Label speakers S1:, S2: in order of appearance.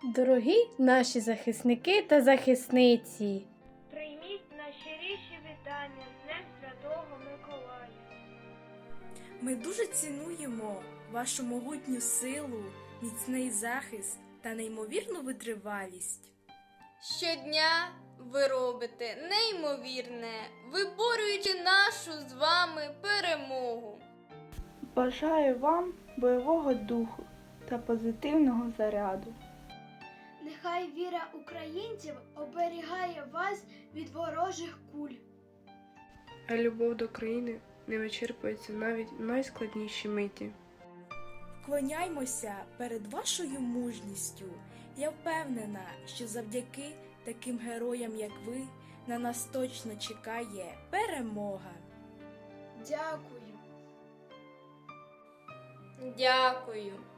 S1: Дорогі наші захисники та захисниці!
S2: Прийміть найщиріші вітання з Днем Святого Миколая.
S3: Ми дуже цінуємо вашу могутню силу, міцний захист та неймовірну витривалість.
S4: Щодня ви робите неймовірне, виборюючи нашу з вами перемогу.
S5: Бажаю вам бойового духу та позитивного заряду.
S2: Нехай віра українців оберігає вас від ворожих куль.
S6: А любов до країни не вичерпується навіть в найскладніші миті.
S3: Вклоняймося перед вашою мужністю. Я впевнена, що завдяки таким героям, як ви, на нас точно чекає перемога.
S2: Дякую.
S4: Дякую.